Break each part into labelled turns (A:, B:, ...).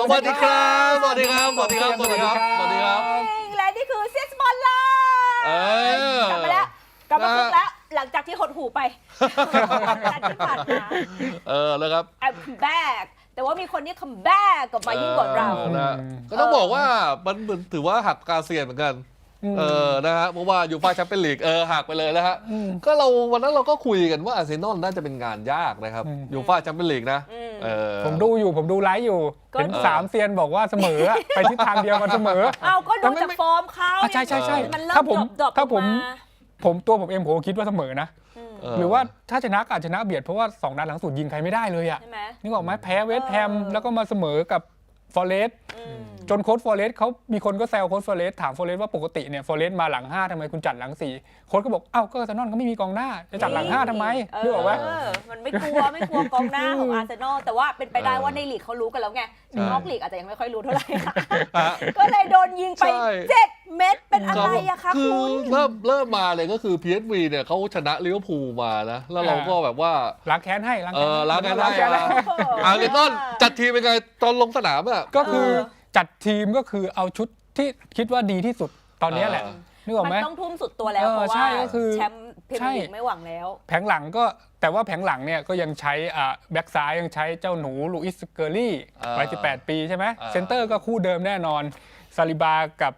A: สวัสดีครับสวัสดีครับสวัสดีครับสวัสดีครับสวัสดีครับ
B: และนี่คือเซียสบอลไลน์กลับมาแล้วกลับมาคึกแล้วหลังจากที่หดหูไปที่ผ่านมา
A: แล้วครับ
B: I'm back แต่ว่ามีคนที่ come back กลับมายิ่งกว่าเรา
A: ก็ต้องบอกว่ามันถือว่าหักกาเซียนเหมือนกันนะฮะเพราะว่ายูฟ่าแชมเปี้ยนลีกหักไปเลยนะฮะก็วันนั้นเราก็คุยกันว่าอาร์เซนอลน่าจะเป็นงานยากนะครับยูฟ่าแชมเปี้ยนลีกนะ
C: ผมดูไลฟ์อยู่เห็น3 เซียนบอกว่าเสมอไปทิศทางเดียวกันเสมอ
B: เอาก็ดูจากฟอร์มเขา
C: ใช่
B: มันเริ่ม
C: ถ้าผมเองผมคิดว่าเสมอนะหรือว่าถ้าชนะก็อาจชนะเบียดเพราะว่า2 นัดหลังสุดยิงใครไม่ได้เลยอ่ะนึกออกไหมแพ้เวสต์แฮมแล้วก็มาเสมอกับฟอเรสต์จนโค้ชฟอเรสต์เขามีคนก็แซวโค้ชฟอเรสต์ถามฟอเรสต์ว่าปกติเนี่ยฟอเรสต์มาหลัง5ทำไมคุณจัดหลัง4โค้ชก็บอกอ้าวก็อาร์เซนอลเขาไม่มีกองหน้าจะจัดหลัง5ทำไมนึกออกไหม
B: มันไม่กลัวกองหน้าของอาร์เซนอลแต่ว่าเป็นไปได้ว่าในลีกเขารู้กันแล้วไงในนอกลีกอาจจะยังไม่ค่อยรู้เท่าไหร่ก็เลยโดนยิงไป7 เม็ดเป็นอะไรอะคะคุณ
A: เริ่มมาเลยก็คือ PSV เนี่ยเขาชนะลิเวอร์พูลมานะแล้วเราก็แบบว่า
C: ล้างแค้นให้
A: ล้างแค้นให้อาร์เซนอลจัดทีมเป็นไงตอนลงสนามอ่ะ
C: ก็คือจัดทีมก็คือเอาชุดที่คิดว่าดีที่สุดตอนนี้แหละนึกออกไหม
B: มันต้องทุ่มสุดตัวแล้วเพราะว่าแชมป์พรีเมียร์ลีกไม่หวังแล้ว
C: แผงหลังก็แต่ว่าแผงหลังเนี่ยก็ยังใช้แบ็กซ้ายยังใช้เจ้าหนูลูอิสเกอรี่วัย18 ปีใช่ไหมเซนเตอร์ก็คู่เดิมแน่นอนซาลิบากับ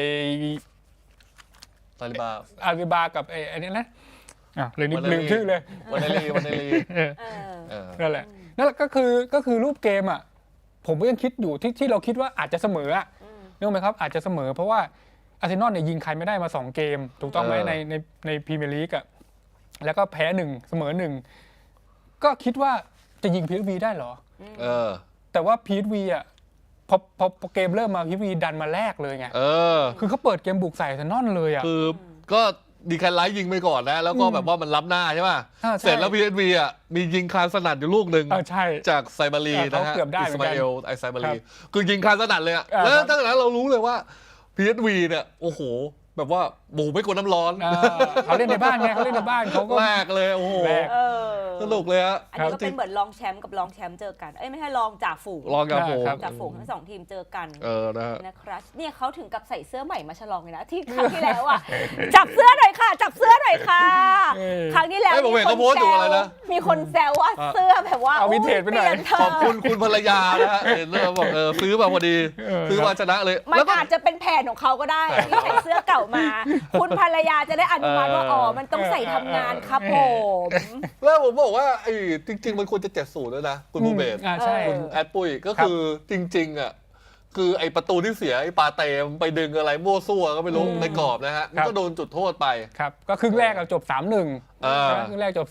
A: ซาลิ
C: บากับไอ้นี่นะเลยลืมชื่อเลย
A: วันเดลี
C: นั่นแหละก็คือรูปเกมอ่ะผมก็ยังคิดอยู่ที่เราคิดว่าอาจจะเสมอนึกไหมครับอาจจะเสมอเพราะว่าอาร์เซนอลเนี่ยยิงใครไม่ได้มา2 เกมถูกต้องไหมในพรีเมียร์ลีกอ่ะแล้วก็แพ้1เสมอ1ก็คิดว่าจะยิง PSV ได้เหรอแต่ว่า PSV อ่ะพอเกมเริ่มมา PSV ดันมาแลกเลยไงคือเขาเปิดเกมบุกใส่อาร์เซนอลเลยอ่ะ
A: คือก็ดีแคนไลท์ยิงไปก่อนนะแล้วก็แบบว่ามันล้ำหน้าใช่ป่ะเสร็จแล้ว PSV อ่ะมียิงคานสนั่นอยู่ลูกหนึ่งจากไซบารีนะฮะอิสมาเอลไซบารีคือยิงคานสนั่นเลยอ่ะแล้วตั้งแต่นั้นเรารู้เลยว่า PSV เนี่ยโอ้โหแบบว่าหมูไม่กลัวน้ำร้อน
C: เขาเล่นในบ้านไงเขาเล่นในบ้านเขาก็
A: แรกเลยโอ้โหสนุกเลยฮะ
B: อันนี้ก็เป็นเหมือนรองแชมป์กับรองแชมป์เจอกันไม่ใช่รองจ่าฝูงทั้ง2 ทีมเจอกันนะครับเนี่ยเขาถึงกับใส่เสื้อใหม่มาฉลองเลยนะที่ครั้งที่แล้วอ่ะจับเสื้อหน่อยค่ะจับเสื้อหน่อยค่ะครั้งที่แล้วมีคนแซวว่าเสื้อแบบว่า
C: เอาวินเทจไปหน่อย
A: ขอบคุณภรรยานะฮะเห็นแล้วบอกซื้อมาพอดีซื้อมาชนะเลย
B: มันอาจจะเป็นแผนของเขาก็ได้ที่ใส่เสื้อเก่ามาคุณภรรยาจะได้อนุมัติว่าอ๋อมันต้องใส่ทำงานครับผม
A: แล้วผมบอกว่าจริงๆมันควรจะ70ด้วยนะคุณบูเบศคุณแอดปุ้ยก็คือจริงๆอ่ะคือไอประตูที่เสียไอปาเตมไปดึงอะไรมั่วซั่วก็ไม่รู้ในกรอบนะฮะมันก็โดนจุดโทษไป
C: ครับก็ครึ่งแรกจบ 3-1ครึ่งแรกจบ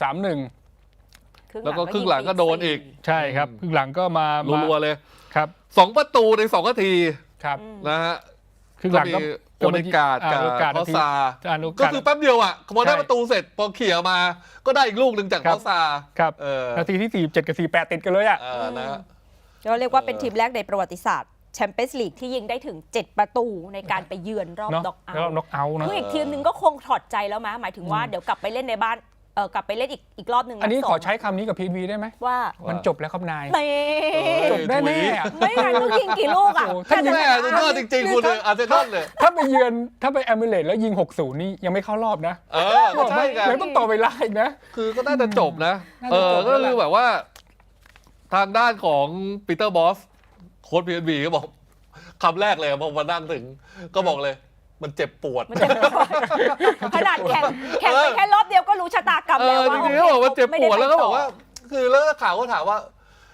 C: 3-1
A: แล้วก็ครึ่งหลังก็โดนอีก
C: ใช่ครับครึ่งหลังก็มา
A: รัวๆเลย
C: ครับ
A: 2 ประตูใน2 นาที
C: ครับ
A: นะฮะ
C: ครึ่งหลังก็
A: โอเดกาดกับพอซาก็คือแป๊บเดียวอ่ะพอได้ประตูเสร็จพอเขี่ยมาก็ได้อีกลูกหนึ่งจากพอซา
C: ครับนาทีที่47กับ48ติดกันเลยอ่ะ
A: นะ
B: ก็เรียกว่าเป็นทีมแรกในประวัติศาสตร์แชมเปี้ยนส์ลีกที่ยิงได้ถึง7 ประตูในการไปเยือนรอบน็อกเอาท์
C: นะ
B: คืออีกทีมนึงก็คงถอดใจแล้วมั้ยหมายถึงว่าเดี๋ยวกลับไปเล่นในบ้านกลับไปเล่นอีกรอบนึง
C: อันนี้ขอใช้คำนี้กับ PSV ได้ไหม
B: ว่า
C: มันจบแล้วครับนาย
B: จบ
C: ได้แน่
B: ไม่งั้นต้องยิงกี่ลูกอ่ะ
A: ถ้าแม่ก็จริงๆคุณอาร์เซนอลเลย
C: ถ้าไปเยือนถ้าไปแอมิเรตส์แล้วยิง60นี่ยังไม่เข้ารอบนะ
A: ใช่ไง
C: ยังต้องต่อเวลาอีกนะ
A: คือก็น่าจะจบนะก็คือแบบว่าทางด้านของปีเตอร์บอสโค้ช PSV ก็บอกคำแรกเลยพอมานั่งถึงก็บอกเลยมันเจ็บปวด
B: ขนาดแข่งไปแค่รอบเดียวก็รู้ชะตากรรมแล้วว่า
A: จริงๆเขาบอกว่าเจ็บปวดแล้วก็บอกว่าคือแล้วข่าวก็ถามว่า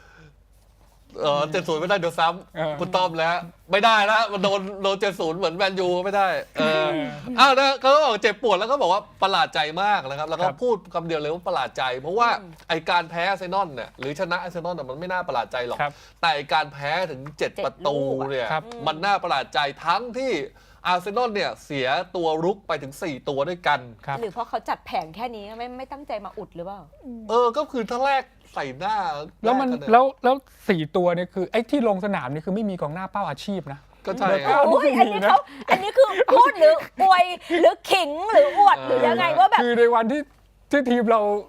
A: 70ไม่ได้เดี๋ยวซ้ำคุณต้อมแล้วไม่ได้นะมันโดน70เหมือนแมนยูไม่ได้นะเขาบอกเจ็บปวดแล้วก็บอกว่าประหลาดใจมากนะครับแล้วก็พูดคำเดียวเลยว่าประหลาดใจเพราะว่าไอการแพ้อาร์เซนอลเนี่ยหรือชนะอาร์เซนอลมันไม่น่าประหลาดใจหรอกแต่การแพ้ถึง7 ประตูเนี่ยมันน่าประหลาดใจทั้งที่อาร์เซนอลเนี่ยเสียตัวรุกไปถึง4 ตัวด้วยกัน
B: หรือเพราะเขาจัดแผนแค่นี้ไม่ตั้งใจมาอุดหรือเปล่า
A: ก็คือถ้าแรกใส่หน้า
C: แล้วมันแล้ว4 ตัวเนี่ยคือไอ้ที่ลงสนามนี่คือไม่มีกองหน้าเป้าอาชีพนะ
A: ก็ใช่
B: อันนี้คือพูดหรืออวยหรือขิงหรืออวดหรือยังไงว่าแบบ
C: คือในวันที่ทีมเรา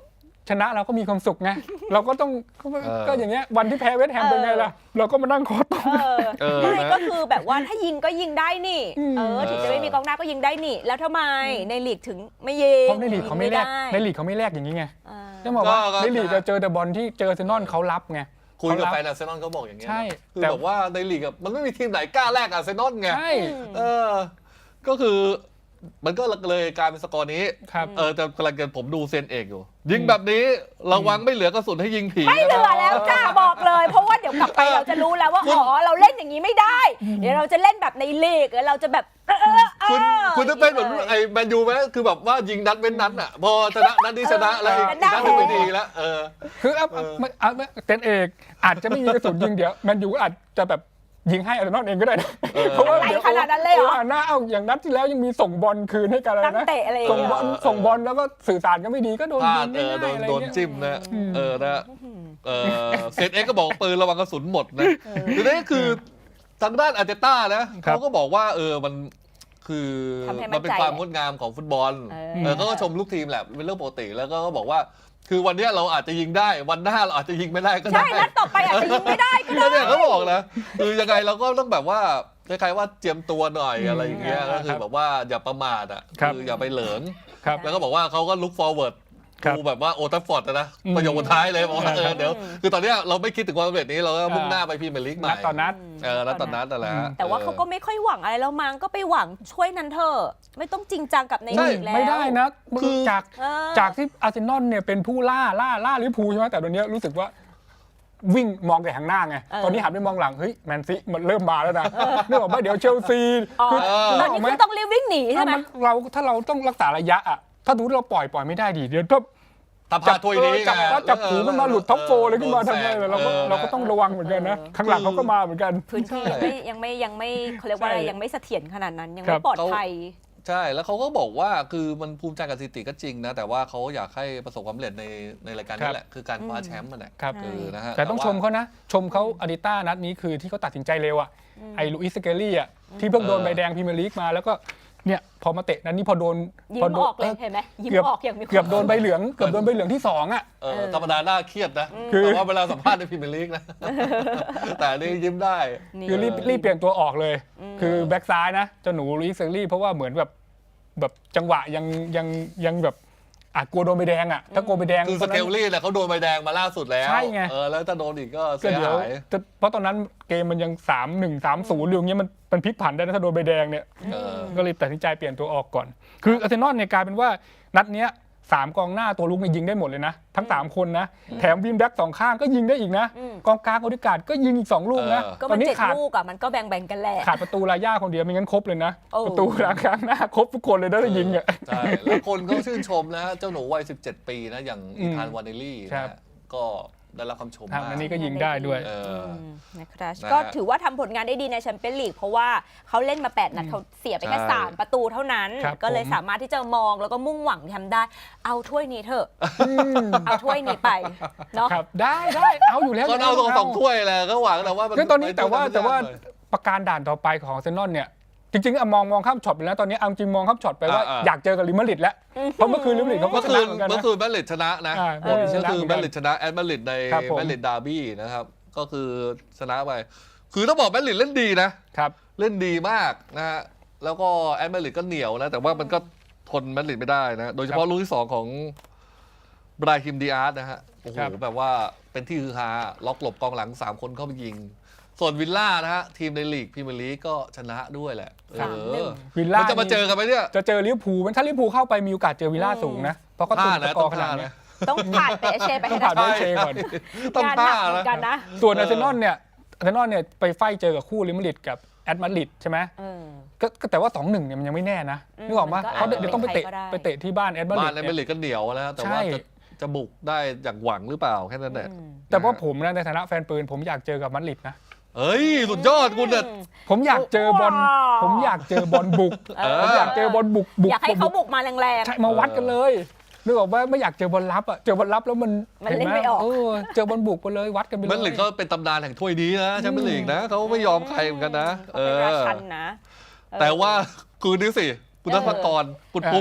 C: ชนะเราก็มีความสุขไงเราก็ต้องก็อย่างเงี้ยวันที่แพ้เวสต์แฮมเป็นไงล่ะเราก็มานั่งคอตรง
B: ไม่ก็คือแบบว่าถ้ายิงก็ยิงได้นี่ถึงจะไม่มีกองหน้าก็ยิงได้นี่แล้วทำไมในลีกถึงไม่ยิง
C: เพราะในลีกเขาไม่แลกอย่างนี้ไงจะบอกว่าในลีกจะเจอแต่บอลที่เจออาร์เซนอลเขารับไง
A: คุยกับแฟนอาร์เซนอลเขาบอกอย่างเงี้ยคือแบบว่าในลีกมันไม่มีทีมไหนกล้าแลกอาร์เซนอลไง
C: ใช่
A: ก็คือมันก็เลยกลายเป็นสกอร์นี้แต่กำลังผมดูเซนเอกอยู่ยิงแบบนี้ระวังไม่เหลือกระสุนให้ยิงผี
B: ไม่เหลือแล้วจ้าบอกเลยเพราะว่าเดี๋ยวกลับไปเราจะรู้แล้วว่าอ๋อเราเล่นอย่างนี้ไม่ได้เดี๋ยวเราจะเล่นแบบในลีกเราจะแบบ
A: คุณจะเป็นเหมือนไอ้แมนยูไหมคือแบบว่ายิงนัดเว้นนัดอ่ะพอชนะนัดนี้ชนะแล้วอีกนัดนึงไม่ดีแล้ว
C: คือเซนเอกอาจจะไม่มีกระสุนยิงเดี๋ยวแมนยูอาจจะแบบยิงให้อาร์เซนอลเองก็ได้นะเพราะว่า
B: เดี๋ยวขนาดนั้นเลยเหรอ
C: หน้าเอาอย่างนัดที่แล้วยังมีส่งบอลคืนให้กันเลยนะส่งบอลแล้วก็สื่อสารก็ไม่ดีก็โดนยิง
A: โดนจิ้มนะนะเซนเอ็กก็บอกปืนระวังกระสุนหมดนะทีนี้คือทางด้านอาร์เตต้านะเขาก็บอกว่ามันคือมันเป็นความงดงามของฟุตบอลเขาก็ชมลูกทีมแหละเป็นเรื่องปกติแล้วก็บอกว่าคือวันนี้เราอาจจะยิงได้วันหน้าเราอาจจะยิงไม่ได้ก็ได้
B: ใช่นัดต่อไปอาจจะยิงไม่ได้ก็ได้
A: เนี่ยเขาบอกนะคือยังไงเราก็ต้องแบบว่าคล้ายๆว่าเจียมตัวหน่อยอะไรอย่างเงี้ยก็คือแบบว่าอย่าประมาทอ่ะคืออย่าไปเหลิงแล้วก็บอกว่าเขาก็ look forward ดูแบบว่าโอทัฟฟอร์ดนะประโยคสุดท้ายเลยบอกว่าเดี๋ยวคือตอนนี้เราไม่คิดถึงความสำเร็จนี้เราก็มุ่งหน้าไปพรีเมียร์ลีกใหม่
C: ตอนนัด
A: แล้วตอนนัดอะไร
B: แต่ว่าเขาก็ไม่ค่อยหวังอะไรแล้วมั้งก็ไปหวังช่วยนันเถอะไม่ต้องจริงจังกับในลีกแล้ว
C: ไม่ได้นะคือจากที่อาร์เซนอลเนี่ยเป็นผู้ล่าลิเวอร์พูลใช่ไหมแต่ตอนนี้รู้สึกว่าวิ่งมองแต่ข้างหน้าไงตอนนี้หันไปมองหลังเฮ้ยแมนซีมันเริ่มมาแล้วนะนึกออกไหมเดี๋ยวเชลซี
B: คือตอนนี้คือต้องรีบวิ่งหนีใช่ไหม
C: ถ้าเราต้องรักษาระยะอ่ะถ้าดูเราปล่อยไม่ได้ดิเดี๋ยว
A: จับถ้วยนี้
C: จับหูขึ้นมาหลุดท็อปโฟเลยขึ้นมาทำไงเราก็ต้องระวังเหมือนกันนะข้างหลังเขาก็มาเหมือนกัน
B: พื้นที่ยังไม่เขาเรียกว่าอะไรยังไม่เสถียรขนาดนั้นยังไม่ปลอดภัย
A: ใช่แล้วเขาก็บอกว่าคือมันภูมิใจกับสถิติก็จริงนะแต่ว่าเขาอยากให้ประสบความสำเร็จในรายการนี้แหละคือการคว้าแชมป์มันแหละ
C: นะฮะแต่ต้องชมเขานะชมเขาอาร์เตต้านัดนี้คือที่เขาตัดสินใจเร็วอ่ะไอ้ลุอิส สเกลลี่อ่ะที่เพิ่งโดนใบแดงพรีเมียร์ลีกมาแล้วก็เนี่ยพอมาเตะนั้นนี่พอโดน
B: ยิ้มออกเลยเห็นไหมยิ้มออกอย่างมี
C: เกือบโดนใบเหลืองที่2อ่ะ
A: ธรรมดาหน้าเครียดนะแต่ว่าเวลาสัมภาษณ์ในพรีเมียร์ลีกนะแต่นี่ยิ้มได้
C: คือรีบเปลี่ยนตัวออกเลยคือแบ็กซ้ายนะเจ้าหนูลุอิส สเกลลี่เพราะว่าเหมือนแบบจังหวะยังแบบกลัวโดนใบแดงอ่ะถ้ากลัวใบแดง
A: คือสเกลลี่แหละเขาโดนใบแดงมาล่าสุดแล้ว
C: ใช่ไง
A: แล้วถ้าโดนอีกก็เสียหาย
C: เพราะตอนนั้นเกมมันยัง 3-1 3-0อยู่อย่างเงี้ยมันพลิกผันได้นะถ้าโดนใบแดงเนี่ยก็เลยตัดสินใจเปลี่ยนตัวออกก่อนคืออาร์เซนอลเนี่ยกลายเป็นว่านัดเนี้ย3กองหน้าตัวลุกเนี่ยยิงได้หมดเลยนะทั้ง3คนนะแถมวิมแบ็ก2ข้างก็ยิงได้อีกนะกองกลางโอดิการ์ดก็ยิงอีก2ลูกนะ
B: ตอนนี้ขาดลูกอ่ะมันก็แบ่งกันแหละ
C: ขาดประตูลาย่าคนเดียวไม่งั้นครบเลยนะประตูกลางหน้าครบทุกคนเลยถ้ายิงอ่ะ
A: ใช่แล้วคนก็ชื่นชมนะเจ้าหนูวัย17 ปีนะอย่างอีธานวาเนลลี่นะก็ได้รับคำชมมาก
C: อันนี้ก็ยิงได้ด้วย
B: นะครับก็ถือว่าทำผลงานได้ดีในแชมเปี้ยนลีกเพราะว่าเขาเล่นมา8นัดเขาเสียไปแค่3ประตูเท่านั้นก็เลยสามารถที่จะมองแล้วก็มุ่งหวังทำได้เอาถ้วยนี้เถอะเอาถ้วยนี้ไปเนาะ
C: ได้เอาอยู่แล้ว
A: ก็เอา2ถ้วยแหละก็หวังแต่ว่า
C: ตอนนี้แต่ว่าประการด่านต่อไปของอาร์เซนอลเนี่ยจริงๆมองข้ามช็อตไปแล้วตอนนี้เอาจริงมองข้ามช็อตไปว่าอยากเจอกับลิมาริดแล้วเพราะเมื่อคืนลิมาริดเขาก็ชนะเหมือนกันนะ
A: เมื่อคืนแมดริดชนะนะก็คือแมดริดชนะแอตมาริดในแมดริดดาร์บี้นะครับก็คือชนะไปคือต้องบอกแมดริดเล่นดีนะครับเล่นดีมากนะฮะแล้วก็แอตมาริดก็เหนียวนะแต่ว่ามันก็ทนแมดริดไม่ได้นะโดยเฉพาะลูกที่2ของบราฮิมดิอาร์นะฮะโอ้โหแบบว่าเป็นที่ฮือฮาล็อกหลบกองหลัง3คนเข้าไปยิงส่วนวิลล่านะฮะทีมในลีกพรีเมียร์ลีกก็ชนะด้วยแหละ
C: วิลล่า
A: จะมาเจอกันไหมเนี่ย
C: จะเจอลิเวอร์พูลถ้าลิเวอร์พูลเข้าไปมีโอกาสเจอวิลล่าสูงนะเพราะเขาตุนกอขนาดนี้
B: ต้องผ่านเปเช่ไปให้
C: ได้ผ่านเปเช่ก่อน
A: ต้องผ่าน
B: นะ
C: ส่วนอาร์เซนอลเนี่ยไปไฟเจอกับคู่ลิมาริดกับแอตมาริดใช่ไหมก็แต่ว่า 2-1 เนี่ยมันยังไม่แน่นะนึกออกมั้ยเขาเดี๋ยวต้องไปเตะที่บ้านแอตมาริด
A: บ้านแอตมาริดก็เหนียวแล้วแต่ว่าจะบุกได้อย่างหวังหรือเปล่าแค่นั้นแหละ
C: แต่ว่าผมนะในฐานะแฟนปืนผมอยากเจอกับมาดริดนะ
A: เฮ้ยสุดยอดคุณเนี่ย
C: ผมอยากเจอบอลบุกผมอยากเจอบอลบุก
B: อยากให้เขาบุกมาแรง
C: ๆใช่มาวัดกันเลยนึกออกว่าไม่อยากเจอบอลลับอ่ะเจอบอลลับแล้วมัน
B: เล่นไม่ออก
C: เจอบอลบุกไปเลยวัดกันไปเลย
A: แมดริดก็เป็นตำนานแห่งถ้วยนี้นะแชมเปี้ยนลีกนะเขาไม่ยอมใครเหมือนกันนะ
B: เป็นราชันนะ
A: แต่ว่าคืนนี้สิคุณธนกรคุณปุ๊ก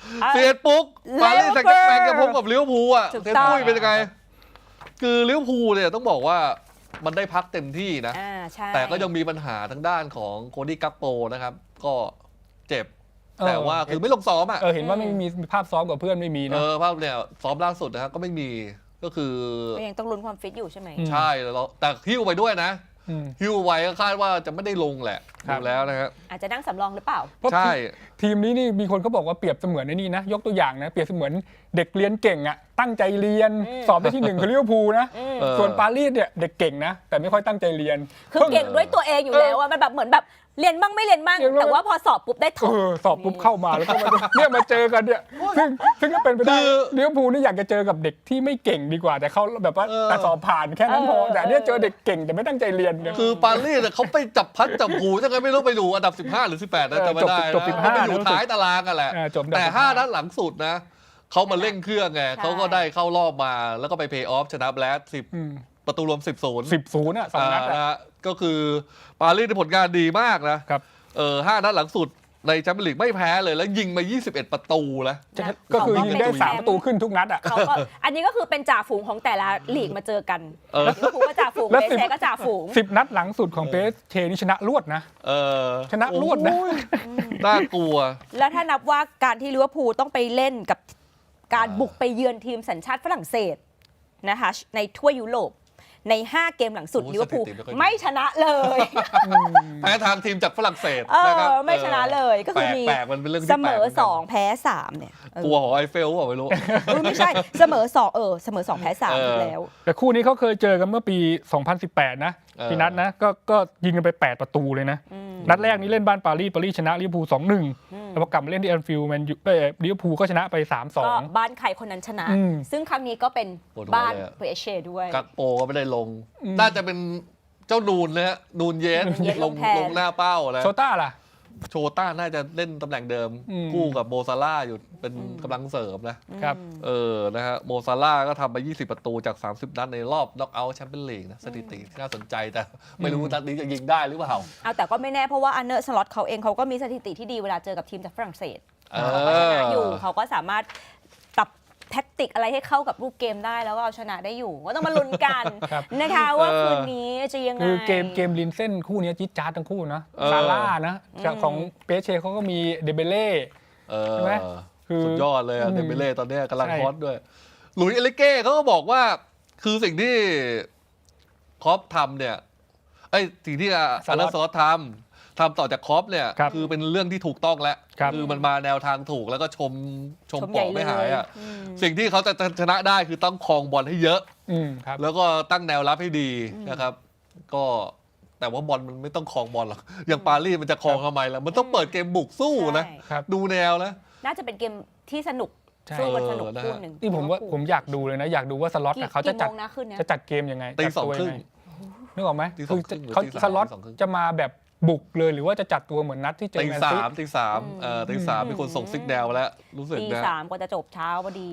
A: 11 ปุ๊กปารีสแซงต์แชร์แมงจะพบกับลิเวอร์พูลอ่ะ
B: ถูก
A: เซน
B: ต้อง
A: ปุ้ยเป็นยังไงคือลิเวอร์พูลเนี่ยต้องบอกว่ามันได้พักเต็มที่นะ
B: ใช่
A: แต่ก็ยังมีปัญหาทางด้านของโคดี้กักโปนะครับก็เจ็บแต่ว่าคือไม่ลงซ้อมอ่ะ
C: เห็นว่าไม่มีภาพซ้อมกับเพื่อนไม่มีนะ
A: ภาพเนี่ยซ้อมล่าสุดนะครับก็ไม่มีก็คือ
B: ก็ยังต้องลุ้นความฟิตอยู่ใช่ไหม
A: ใช่แล้วแต่หิ้วไปด้วยนะฮิวไว้ก็คาดว่าจะไม่ได้ลงแหละดูแล้วนะครับ
B: อาจจะนั่งสำรองหรือเปล่า
A: ใช่
C: ทีมนี้นี่มีคนเขาบอกว่าเปรียบเสมือนในนี่นะยกตัวอย่างนะเปรียบเสมือนเด็กเรียนเก่งอ่ะตั้งใจเรียนสอบได้ที่ 1คือลิเวอร์พูลนะส่วนปารีสเนี่ยเด็กเก่งนะแต่ไม่ค่อยตั้งใจเรียน
B: คือเก่งด้วยตัวเองอยู่แล้วอะมันแบบเหมือนแบบเรียนบ้างไม่เรียนบ้างแต่ว่าพอสอบปุ๊บได้ถอด
C: สอบปุ๊บเข้ามาแล้วก็เนี่ยมาเจอกันเนี่ยซึ่งก็เป็นไปได้ลิเวอร์พูลนี่อยากจะเจอกับเด็กที่ไม่เก่งดีกว่าแต่เขาแบบว่าแต่สอบผ่านแค่นั้นพอแต่เนี่ยเจอเด็กเก่งแต่ไม่ตั้งใจเรียน
A: คือปารีสเขาไปจับพัดจับผูจังไงไม่รู้ไปดูอันดับ15หรือ18นะจำไม่ได้
C: จบ15
A: ไปอยู่ท้ายตารางกันแหละแต่5นัดหลังสุดนะเขามาเร่งเครื่องไงเขาก็ได้เข้ารอบมาแล้วก็ไปเพย์ออฟชนะแบลส10ประตูรวม10-0
C: อ่ะ2นัด
A: ก็คือปารีสในผลงานดีมากนะครับ5นัดหลังสุดในแชมเปี้ยนลีกไม่แพ้เลยแล้วยิงมา21ประตูแล้ว
C: ก็คือยิงได้3ประตูขึ้นทุกนัดอ่ะ
B: อันนี้ก็คือเป็นจ่าฝูงของแต่ละลีกมาเจอกันลิเวอร์พูลก็จ่าฝูงเปเชก็จ่าฝูง
C: 10นัดหลังสุดของเปเชนี่ชนะรวดนะชนะรวดนะ
A: น่ากลัว
B: แล้วถ้านับว่าการที่ลิเวอร์พูลต้องไปเล่นกับการบุกไปเยือนทีมสัญชาติฝรั่งเศสนะคะในทั่วยุโรปใน5เกมหลังสุดลิเวอร์พูลไม่ชนะเลย
A: แพ้ทางทีมจากฝรั่งเศส
B: นะครับไม่ชนะเลยก็คือมีเสมอ2แพ้3เนี่ย
A: กลัวหอไอเฟลเปล่าไม่รู้
B: ไม่ใช่เสมอ2เสมอ2แพ้3อีกแล้ว
C: แต่คู่นี้เขาเคยเจอกันเมื่อปี 2018 นะพี่นัทนะก็ยิงกันไป8ประตูเลยนะนัดแรกนี้เล่นบ้านปารีสชนะลิเวอร์พูล 2-1 แล้วพอกลับมาเล่นที่แอนฟิลด์แมนยูลิเวอร์พูลก็ชนะไป 3-2
B: ก็บ้านใครคนนั้นชนะซึ่งครั้งนี้ก็เป็นบ้านเปเชด้วย
A: กักโปก็ไม่ได้ลงน่าจะเป็นเจ้านูนนะฮะนูนเยสลงหน้าเป้าแล้ว
C: โชต้าล่ะ
A: โชต้าน่าจะเล่นตำแหน่งเดิมคู่กับโมซาร่าอยู่เป็นกำลังเสริมนะครับนะฮะโมซาร่าก็ทำไป20ประตูจาก30นัดในรอบน็อกเอาท์แชมเปี้ยนลีกนะสถิติที่น่าสนใจแต่ไม่รู้นัดนี้จะยิงได้หรือเปล่า
B: แต่ก็ไม่แน่เพราะว่าอันเนอร์สล็อตเขาเองเขาก็มีสถิติที่ดีเวลาเจอกับทีมจากฝรั่งเศสเขาก็ชนะอยู่เขาก็สามารถปรับแท็กติกอะไรให้เข้ากับรูปเกมได้แล้วก็เอาชนะได้อยู่ก็ต้องมาลุ้นกันนะคะว่าคืนนี้จะยังไง
C: คือเกมลินเส้นคู่นี้จิ๊ดจ๊าดทั้งคู่นะซาร่านะของเปเชเขาก็มีเดเบเล่ใช่ไหม
A: สุดยอดเลยเดเบเล่ตอนนี้กำลังฮอตด้วยหลุยส์เอลิเก้เขาก็บอกว่าคือสิ่งที่ครอปทำเนี่ยสิ่งที่อาร์เนอร์สล็อตทำต่อจากครอปเนี่ยคือเป็นเรื่องที่ถูกต้องแล้วคือมันมาแนวทางถูกแล้วก็ชมปอกไม่หายอ่ะสิ่งที่เขาจะชนะได้คือต้องครองบอลให้เยอะแล้วก็ตั้งแนวรับให้ดีนะครับก็แต่ว่าบอลมันไม่ต้องครองบอลหรอกอย่างปารีสมันจะครองทำไมล่ะมันต้องเปิดเกมบุกสู้นะดูแนวนะ
B: น่าจะเป็นเกมที่สนุกสู้กันสนุกคู่หนึ่ง
C: ที่ผมอยากดูเลยนะอยากดูว่าสล็อตเขาจะจัดเกมยังไง
A: ตี 2:30
C: นึกออกไหมคือเขาสล็อตจะมาแบบบุกเลยหรือว่าจะจัดตัวเหมือนนัดที่เจอแมนซี
A: ตีสามมีคนส่งซิกแนวแล้วรู้สึกนะ
B: ตี 3ก็จะจบเช้าพอดี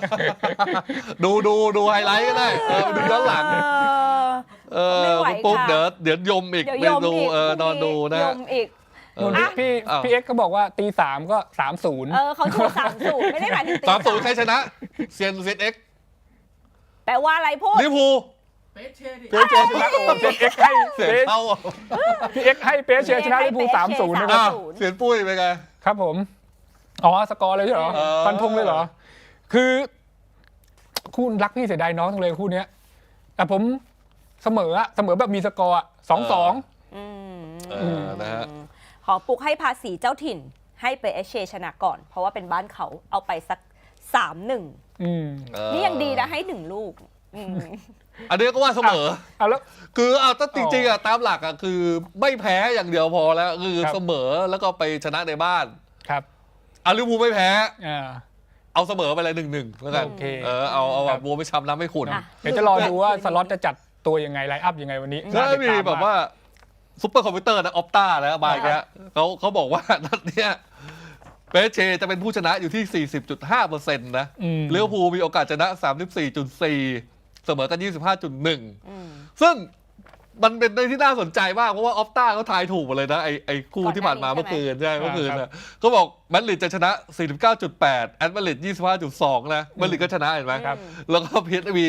A: ดูไฮไลท์ก็ได้ดูย้อนหลังคุณปุ๊บเดี๋ยวยมอีกไปดูนอนดูนะ
C: พี่เอ็กซ์ก็บอกว่าตี 3ก็ 30
B: เขาชู30ไม่ได้หมายถึงตี
A: 30ใครชนะเซียนเอ็กซ์
B: แปลว่าอะไรพูด
A: ลิเวอร์พูล
C: เปเชชนะเอ็กซ์ให้
A: เสียเท่า
C: พี่เอ็กซ์ให้เปเชชนะลิเวอร์พูล 3-0 นะครับ
A: เสียนปุ้ยเป็นไง
C: ครับผมสกอร์เลยใช่เหรอฟันธงเลยเหรอคือคู่รักพี่เสียดายน้องทั้งเลยคู่นี้แต่ผมเสมอแบบมีสกอร์2-2
A: นะฮะ
B: ขอปลุกให้ภาษีเจ้าถิ่นให้เปเชชนะก่อนเพราะว่าเป็นบ้านเขาเอาไปสัก 3-1นี่ยังดีนะให้1ลูก
A: อันนี้ก็ว่าเสมอ
C: แล้ว
A: คือถ้าจริงๆตามหลักคือไม่แพ้อย่างเดียวพอแล้วคือเสมอแล้วก็ไปชนะในบ้าน
C: ครับ
A: ลิเวอร์พูลไม่แพ้เอาเสมอไปเลย 1-1แล้วกันเอาแบบบัวไม่ช้ำน้ำไม่ขุ่น
C: เดี๋ยวจะรอดูว่าสล็อตจะจัดตัวยังไงไลน์อัพยังไงวันนี้
A: ก็มีแบบว่าซุปเปอร์คอมพิวเตอร์นะออปต้าแล้วบายแกเขาบอกว่านัดเนี้ยเปเชจะเป็นผู้ชนะอยู่ที่ 40.5% นะลิเวอร์พูลมีโอกาสชนะ 34.4%เสมอกัน 25.1 ซึ่งมันเป็นเรื่องที่น่าสนใจมากเพราะว่าออฟต้าเขาทายถูกหมดเลยนะไอ้คู่ที่ผ่านมาเมื่อคืนใช่เมื่อคืนนะก็บอกมาดริดจะชนะ 49.8 แอตมาดริด 25.2 นะมาดริดก็ชนะเห็นไหมแล้วก็พีเอสวี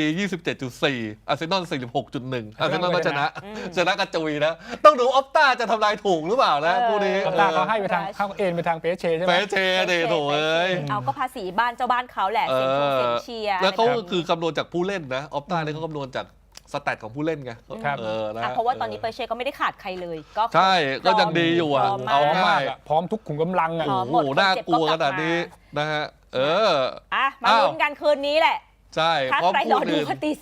A: 27.4 อาร์เซนอล 46.1 อาร์เซนอลก็ชนะกระจุยนะต้องดูออฟต้าจะทำลายถูกหรือเปล่านะคู่นี้
C: ออฟต้าเขาให้ไปทางเข้าเอ็นไปทางเปเชใช่ไหม
A: เปเชเดโถเอ้ย
B: เอาก็ภาษีบ้านเจ้าบ้านเขาแหละเซ็นเชียร์
A: แล้วเขาคือคำนวณจากผู้เล่นนะออฟต้าเนี่ยเขาคำนวณจากสแตทของผู้เล่นไง
B: เพราะว่าตอนนี้เปเช่ก็ไม่ได้ขาดใครเลยก็
A: ใช่ก็ยังดีอยู่อ่ะเอาง่าย
C: พร้อมทุกขุมกำลังอ่ะ
A: โอ้โหน่ากลัวขนาดนี้นะฮะ
B: มาลุ้นกันคืนนี้แหละ
A: ใช่
B: ถ้าใครรอดูก็ตี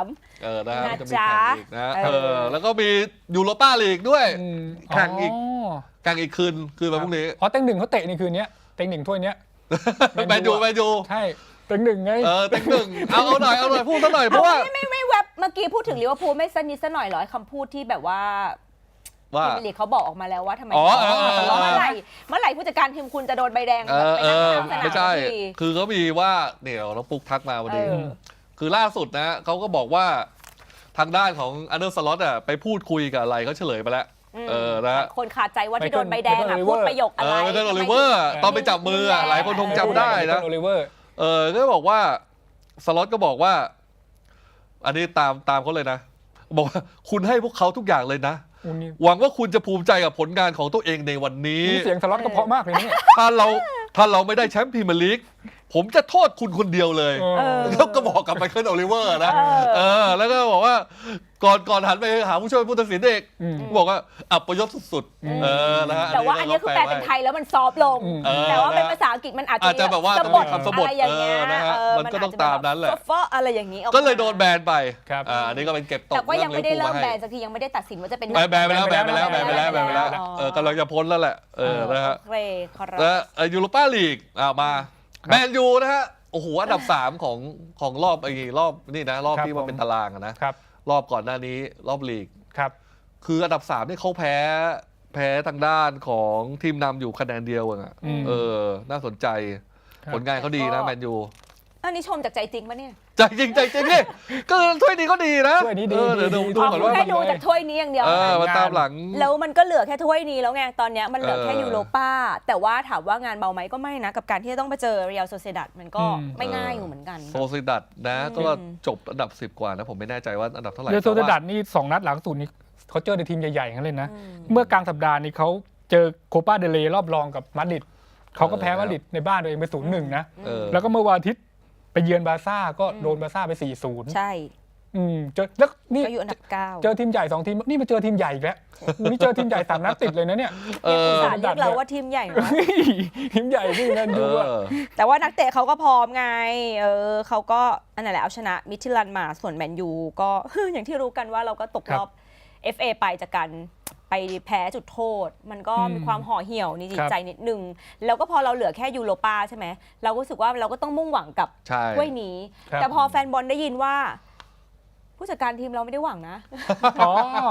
B: 3
A: นะจะมีแข่งอีกนะแล้วก็มียูโรป้าลีกด้วยแข่งอีกคืนวันพรุ่งนี้
C: เต็งหนึ่งเขาเตะในคืนนี้เต็งหนึ่งถ้วยนี้
A: แมนยู
C: ใช่เต็งหนึ่งไง
A: เต็งหนึ่งเอาหน่อยพูดซะหน่อยเพราะว่า
B: ไม่แวบเมื่อกี้พูดถึงลิเวอร์พูลไม่สนิทซะหน่อยหรอคำพูดที่แบบว่าทีมลีกเขาบอกออกมาแล้วว่าทำไมเมื่อไหร่ผู้จัดการทีมคุณจะโดนใบแดง
A: ไม่ใช่คือเขามีว่าเนี่ยเราปุ๊กทักมาวันนี้คือล่าสุดนะเขาก็บอกว่าทางด้านของอันเดอร์สล็อตอ่ะไปพูดคุยกับอะไรเขาเฉลยไปแล้วนะ
B: คนขาดใจว่าที่โดนใบแดงพูดประโยคอะไร
A: ไม่ใช่โอลิเวอร์ตอนไปจับมือหลายคนคงจำได้นะก็บอกว่าสล็อตก็บอกว่าอันนี้ตามเขาเลยนะบอกว่าคุณให้พวกเขาทุกอย่างเลยนะหวังว่าคุณจะภูมิใจกับผลงานของตัวเองในวันนี้
C: เสียงสล็อตก็เพราะมากเลยนี่
A: ถ้าเราไม่ได้แชมป์พรีเมียร์ลีกผมจะโทษคุณคนเดียวเลยแล้วก็บอกกับไมเคิลโอลิเวอร์นะแล้วก็บอกว่าก่อนหันไปหาผู้ช่วยผู้ตัดสินเอกบอกว่าอัปยศสุดๆ
B: นะฮะแต่ว่าอันนี้คือแปลเป็นไทยแล้วมันซอฟลงแต่ว่าเป็นภาษาอังกฤษมันอาจจะ
A: แบบว่าสะบดอะไรอย่างเงี้ยมันก็ต้องตามนั้นแหละ
B: อะไรอย่างนี้
A: ก็เลยโดนแบนไปอันนี้ก็เป็นเก็บตก
B: แต่ก็ยังไม่ได้เริ่มแบนสักทียังไม่ได้ตัดสินว่าจะเป็น
A: แบนไปแล้วกำลังจะพ้นแล้วแหละนะฮะแล้วยูโรป้าลีกมาแมนยูนะฮะโอ้โหอันดับ3ของรอบนี่นะรอบที่มันเป็นตารางนะรอบก่อนหน้านี้รอบลีกคืออันดับ3นี่เขาแพ้ทางด้านของทีมนำอยู่คะแนนเดียวน่าสนใจผลงานเขาดีนะแมนยู
B: อันนี้ชมจากใจจริงปะเนี่ย
A: ใจจริงนี่ก็ถ้วยนี้ก็ดีนะ
C: ถ้วยนี้ดี
A: เดี๋ยวดูก่อนว่า
B: แค่ดูจากถ้วยนี้อย่างเดียว
A: มาตามหลัง
B: แล้วมันก็เหลือแค่ถ้วยนี้แล้วไงตอนนี้มันเหลือแค่ยูโรป้าแต่ว่าถามว่างานเบาไหมก็ไม่นะกับการที่จะต้องไปเจอเรียลโซเซดัดมันก็ไม่ง่ายอยู่เหมือนกัน
A: โซเซดัดนะก็จบอันดับ10กว่านะผมไม่แน่ใจว่าอันดับเท่าไหร่
C: เรียลโซเซดัดนี่2นัดหลังสุดนี้เขาเจอในทีมใหญ่ๆกันเลยนะเมื่อกลางสัปดาห์นี้เขาเจอโคปาเดเลย์รอบรองกับมาดริดเขาก็แพ้มาดริดในบ้านตัวเองไป 0-1 นะแล้วก็เมื่อวันอาทิตย์ไปเยือนบาร์ซ่าก็โดนบาร์ซ่าไป 4-0
B: ใช่
C: เจอแล้วนี่
B: อยู่อันดับ9
C: เจอทีมใหญ่2ทีมนี่มาเจอทีมใหญ่อีกแล้วนี่เจอทีมใหญ่3นัดติดเลยนะเนี่ย
B: สารเรียกเราว่าทีมใหญ่นะ
C: ทีมใหญ่ที่นั่นดู
B: แต่ว่านักเตะเขาก็พร้อมไงเขาก็อันนั้นแหละเอาชนะมิทิลันมาส่วนแมนยูก็อย่างที่รู้กันว่าเราก็ตกรอบ FA ไปจากการไปแพ้จุดโทษมันก็มีความห่อเหี่ยวในจิตใจนิดนึงแล้วก็พอเราเหลือแค่ยูโรป้าใช่ไหมเราก็รู้สึกว่าเราก็ต้องมุ่งหวังกับถ้วยนี้แต่พอแฟนบอลได้ยินว่าผู้จัดการทีมเราไม่ได้หวังนะ
C: เขา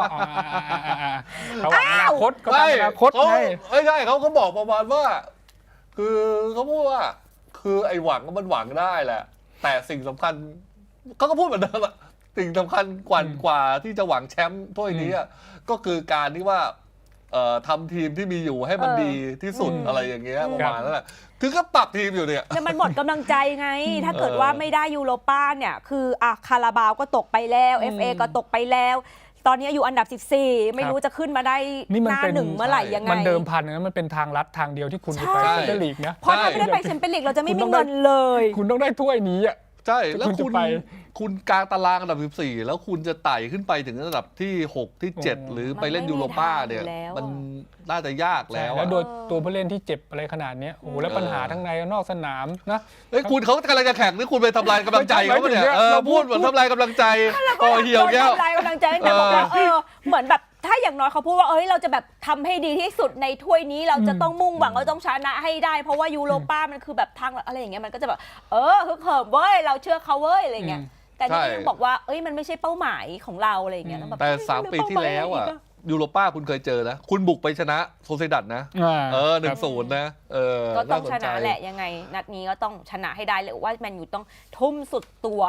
C: หวังอนาคตเขาตั้งอนาคต
A: ไม่ใช่เขาบอกประมาณว่าคือเขาพูดว่าคือไอ้หวังมันหวังได้แหละแต่สิ่งสำคัญเขาก็พูดเหมือนเดิมอะสิ่งสำคัญกว่าที่จะหวังแชมป์ถ้วยนี้ก็คือการที่ว่าทำทีมที่มีอยู่ให้มันดีที่สุดอะไรอย่างเงี้ยประมาณนั้นแหละคือก็ปรับทีมอยู่เนี่ย
B: แต่มันหมดกำลังใจไงถ้าเกิดว่าไม่ได้ยูโรป้าเนี่ยคือคาราบาวก็ตกไปแล้ว FA ก็ตกไปแล้วตอนนี้อยู่อันดับ14ไม่รู้จะขึ้นมาได้หน้าหนึ่งเมื่อไหร่ยังไง
C: มันเดิมพันนะมันเป็นทางลัดทางเดียวที่คุณจะไปแชมเปี้ยนลีกนะ
B: เพราะถ้าไม่ได้ไปแชมเปี้ยนลีกเราจะไม่มีเงินเลย
C: คุณต้องได้ถ้วยนี้
A: ใช่แล้วคุณกลางตารางอันดับ14แล้วคุณจะไต่ขึ้นไปถึงอันดับที่6ที่7หรือไปเล่นยูโรป้าเนี่ยมันน่าจะยากแล้ว
C: โดยตัวผู้เล่นที่เจ็บอะไรขนาดนี้โอ้แล้วปัญหาทั้งในนอกสนามนะ
A: คุณเขากำลังจะแข่งนี่คุณไปทำลายกำลังใจเขาเนี่ยพูดเหมือนทำลายกำลังใจเหี่ยวแก้ว
B: ทำลายกำลังใจแต่บอกว่าเหมือนแบบถ้าอย่างน้อยเขาพูดว่าเราจะแบบทำให้ดีที่สุดในถ้วยนี้เราจะต้องมุ่งหวังเราต้องชนะให้ได้เพราะว่ายูโรป้ามันคือแบบทางอะไรอย่างเงี้ยมันก็จะแบบฮึกเหิมเว้ยเราเชื่อเขาเว้ยอะไรเงี้ยแต่นี่ยังบอกว่ามันไม่ใช่เป้าหมายของเราอะไรอย่างเงี้ย
A: แต่3 ปีที่แล้วยูโรป้าคุณเคยเจอนะคุณบุกไปชนะโซเซดัดนะ1-0นะ
B: ก็ต้องชนะแหละยังไงนัดนี้ก็ต้องชนะให้ได้เลยว่าแมนยูต้องทุ่มสุดตัว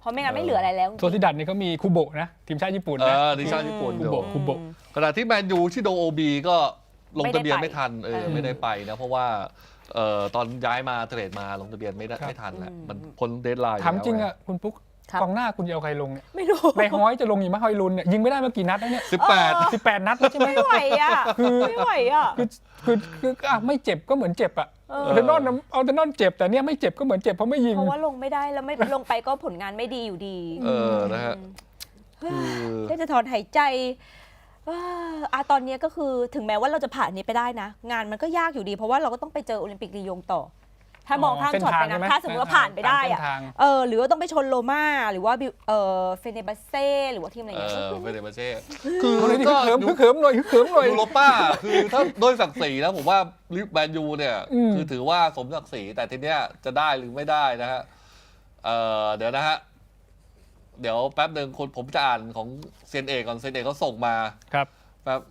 B: เพราะไม่งั้นไม่เหลืออะไรแล้ว
C: โซซิดัดนี่เขามีคูโบะนะทีมชาติญี่ปุ่นนะ
A: ทีมชาติญี่ปุ่น
C: คูโบะ
A: ขณะที่แมนยูที่โดโอบีก็ลงทะเบียนไม่ทันไม่ได้ไปนะเพราะว่าตอนย้ายมาเทรดมาลงทะเบียนไม่ทันแหละมันพ้นเดดไลน์
C: ถามจริงอ่ะคุณปุ๊กกองหน้าคุณจะเอาใครลงเนี่ย
B: ไม่รู้
C: ในฮอยจะลงอีกไหมฮอยลุนเนี่ยยิงไม่ได้มากี่นัดแล้วเนี่ย
A: 18
C: นัดแล้วใช่ไหม
B: ไม่ไหวอ่ะไม่ไหวอ่ะ
C: คือไม่เจ็บก็เหมือนเจ็บอ่ะเอาแต่นอนเจ็บแต่เนี่ยไม่เจ็บก็เหมือนเจ็บเพราะไม่ยิง
B: เพราะว่าลงไม่ได้แล้วไม่ลงไปก็ผลงานไม่ดีอยู่ดี
A: นะฮะ
B: จะถอนหายใจตอนนี้ก็คือถึงแม้ว่าเราจะผ่านนี้ไปได้นะ งานมันก็ยากอยู่ดีเพราะว่าเราก็ต้องไปเจอโอลิมปิกลียงต่อ ถ้ามองข้ามช็อตไปนะถ้าสมมติว่าผ่านไปได้อะหรือว่าต้องไปชนโรม่าหรือว่าเฟเนบัสเซ่หรือว่าทีมอะไรอย่างเงี้ย
A: เฟเนบัสเซ่
C: คือก็เขิมหน่อย
A: ยูโรป้าคือถ้าโดยศักดิ์ศรีนะผมว่าแมนยูเนี่ยคือถือว่าสมศักดิ์ศรีแต่ทีเนี้ยจะได้หรือไม่ได้นะฮะเดี๋ยวนะฮะเดี๋ยวแป๊บหนึ่งผมจะอ่านของเซนเอกก่อนเซนเอกเขาส่งมา
C: ครับ
A: แป๊บ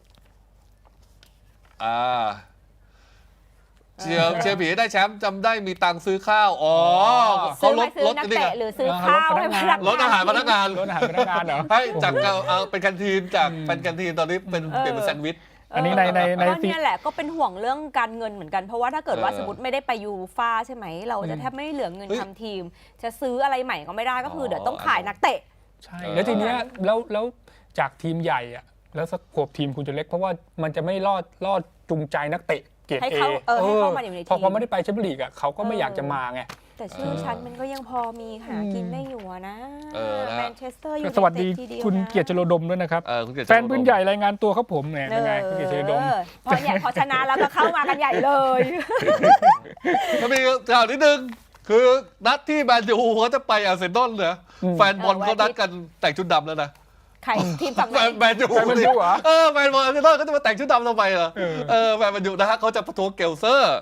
A: เชียร์ผีได้แชมป์จำได้มีตังค์ซื้อข้าวเขาลด
B: นักเตะหรือซื้อข้าวให้พนักงาน
A: ลดอาหารพนักงาน
C: เหรอ
A: ให้จากเป็นแคนทีนจากเป็นแคนทีนตอนนี้เป็นเปลี่ยนเป็นแซนด์วิช
C: อันนี้ใน
B: นี่แหละก็เป็นห่วงเรื่องการเงินเหมือนกันเพราะว่าถ้าเกิดว่าสมมติไม่ได้ไปยูฟ่าใช่ไหมเราจะแทบไม่เหลือเงินทำทีมจะซื้ออะไรใหม่ก็ไม่ได้ก็คือเดี๋ยวต้องขายนักเตะ
C: ใช่แล้วทีเนี้ยแล้วจากทีมใหญ่อะแล้วสโคปทีมคุณจะเล็กเพราะว่ามันจะไม่รอดจูงใจนักเตะเกรด
B: ให้เข้ามาอยู่ในทีม
C: พอไม่ได้ไปแชมเปี้ยนลีกอะเขาก็ไม่อยากจะมาไง
B: แต่ชื่อฉันมันก็ยังพอมีหากินได้อยู่นะแมนเชสเตอร์ยูไนเต็ด
C: สวัสดีคุณเกียรติชโลดมด้วยนะครับแฟนปืนใหญ่รายงานตัวครับผมเนี่ยเป็นไงคุณเกียรติชโลดม
B: พอชนะแล้วก็เข้ามากันใหญ่เลย
A: ก็มีข่าวนิดนึงคือนัดที่แมนยูเขาจะไปอาร์เซนอลเนี่ยแฟนบอลเขานัดกันแต่งชุดดำแล้วนะ
B: ใครทีมฝั่งไหน
A: แมนยูเหรอแฟนบอลอาร์เซนอลเขาจะมาแต่งชุดดำทำไมเหรอแฟนแมนยูนะฮะเขาจะประท้วงเกลเซอร์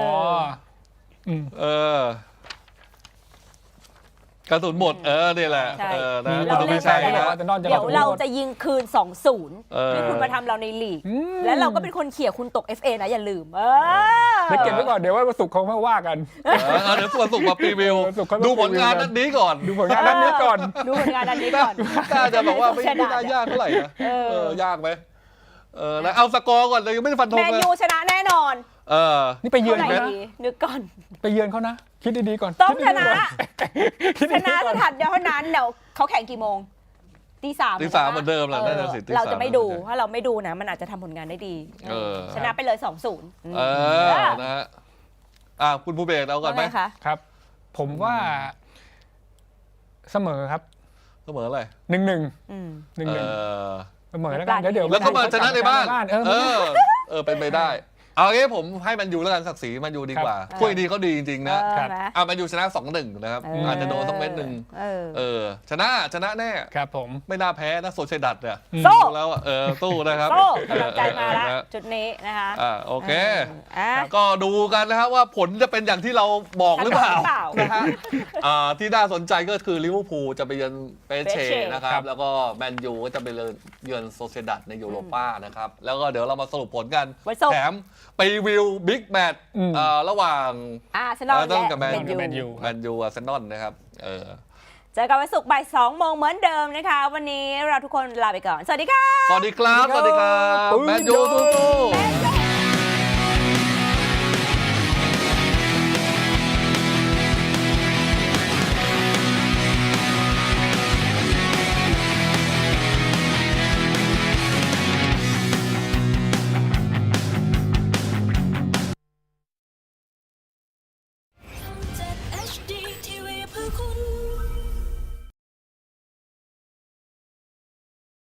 A: กระสุนหมดนี่แหละ
B: นะเราเล่นไปแล้วเดี๋ยวเราจะยิงคืน 2-0ที่คุณมาทำเราในลีกแล้วเราก็เป็นคนเขี่ยคุณตก FA นะอย่าลืม
C: เดี๋ยวเก็บไว้ก่อนเดี๋ยววันศุกร์เขาไม่ว่ากัน
A: เดี๋ยววันศุกร์มาพรีวิวดูผลงานนัดนี้ก่อน
C: ดูผลงานนัดนี้ก่อน
A: น่าจะบอกว่าไม่น่ายากเท่าไหร่นะยากไหมแล้วเอาสกอร์ก่อนเลยยังไม่ได้ฟันธงเลย
B: แมนยูชนะแน่นอน
C: นี่ไปเยือนเขานะ
B: นึกก่อน
C: ไปเยือนเขานะคิดดีๆก่อน
B: ต้องชนะสถานเดียวเท่านั้นเดี๋ยวเขาแข่งกี่โมงตี 3
A: เหมือนเดิมแหละน่าจะ
B: เราจะไม่ดูถ้าเราไม่ดูนะมันอาจจะทำผลงานได้ดีชนะไปเลย 2-0
A: นะฮะคุณผู้เบสเอาก่อนไหม
C: ครับผมว่าเสมอครับ
A: เสมออะไร
C: 1-1เสมอแล้วกันเดี๋ยว
A: แล้วก็มาชนะในบ้านเป็นไปได้เอางี้ผมให้มันยูแล้วกันศักดิ์ศรีมันยูดีกว่าคุยดีเขาดีจริงๆนะมันยูชนะ 2-1 นะครับอาจจะโดนต้องเม็ดหนึ่งชนะแน่
C: ครับผม
A: ไม่น่าแพ้นะโซเชดัตเนี่ย
B: สู้
A: แล้วสู้นะครับ
B: สู้กำลังใจมาแล้วจุดนี้นะคะ
A: โอเคก็ดูกันนะครับว่าผลจะเป็นอย่างที่เราบอกหรือเปล่านะฮะที่น่าสนใจก็คือลิเวอร์พูลจะไปเยือนเปเช่นะครับแล้วก็แมนยูก็จะไปเยือนโซเชดัตในยูโรป้านะครับแล้วก็เดี๋ยวเรามาสรุปผลกันแถมไปวิวบิ๊กแมตช์ระหว่าง
B: อาร์เซนอล
A: กับแมนยูอาร์เซนอลนะครับ
B: เจอกันวันศุกร์บ่าย 2 โมงเหมือนเดิมนะคะวันนี้เราทุกคนลาไปก่อนสวัสดีค่ะ
A: สวัสดีครับแมนยูสู้